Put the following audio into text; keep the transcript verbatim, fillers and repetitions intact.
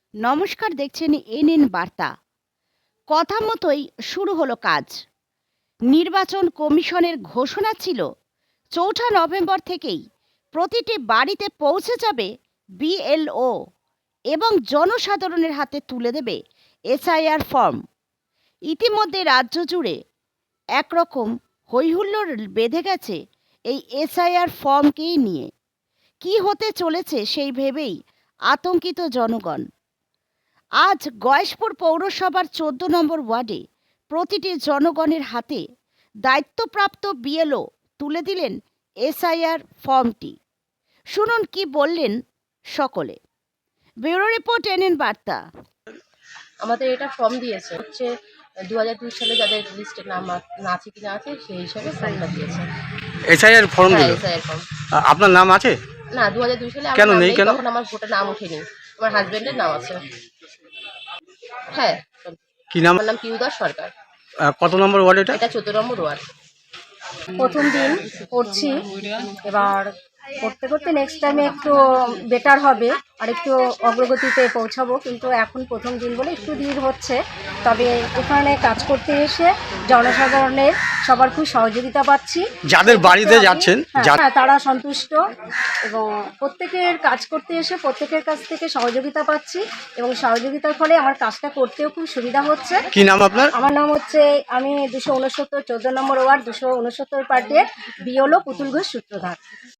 নমস্কার, দেখছেন এনএন বার্তা। কথা মতোই শুরু হলো কাজ। নির্বাচন কমিশনের ঘোষণা ছিল চৌঠা নভেম্বর থেকেই প্রতিটি বাড়িতে পৌঁছে যাবে বিএলও এবং জনসাধারণের হাতে তুলে দেবে এসআইআর ফর্ম। ইতিমধ্যে রাজ্য জুড়ে একরকম হৈহুল্লোড় বেঁধে গেছে এই এসআইআর ফর্মকেই নিয়ে। কি হতে চলেছে সেই ভেবেই আতঙ্কিত জনগণ। আজ গয়েশপুর পৌরসভার চোদ্দ নম্বর ওয়ার্ডে প্রতিটি জনগণের হাতে দায়িত্বপ্রাপ্ত বিএলও তুলে দিলেন এসআইআর ফর্মটি। শুনুন কি বললেন সকলে। ব্যুরো রিপোর্ট এনএন বার্তা। আমাদের এটা ফর্ম দিয়েছে হচ্ছে দু হাজার দুই সালে যাদের লিস্টে নাম না আছে কিনা আছে সেই হিসাবে ফর্মটা দিয়েছে। এসআইআর ফর্ম হ্যাঁ, দিল। SIR form. আ- আপনার নাম আছে? না, দু হাজার দুই সালে আমার কেন নাম নেই? নেই, কেন? তখন আমার ভোটার নাম ওঠেনি। আমার হাজবেন্ডের নাম আছে। হ্যাঁ, কি নাম? আমার নাম পিউদাস সরকার। আ, কত নম্বর ওয়ার্ড এটা? এটা চোদ্দ নম্বর ওয়ার্ড। প্রথম দিন করছি, এবার করতে করতে নেক্সট টাইমে একটু বেটার হবে আর একটু অগ্রগতিতে পৌঁছাবো, কিন্তু এখন প্রথম দিন বলে একটু দেরি হচ্ছে। তবে এখানে কাজ করতে এসে জনসাধারণের সবার খুব সহযোগিতা পাচ্ছি। যাদের বাড়িতে যাচ্ছেন, হ্যাঁ, যা- হ্যাঁ, তারা সন্তুষ্ট এবং প্রত্যেকের কাজ করতে এসে প্রত্যেকের কাছ থেকে সহযোগিতা পাচ্ছি এবং সহযোগিতার ফলে আমার কাজটা করতেও খুব সুবিধা হচ্ছে। কি নাম আপনার? আমার নাম হচ্ছে, আমি দুশো উনসত্তর চোদ্দ নম্বর ওয়ার্ড দুশো উনসত্তর পার্টির বিওলো পুতুল ঘোষ সূত্রধার।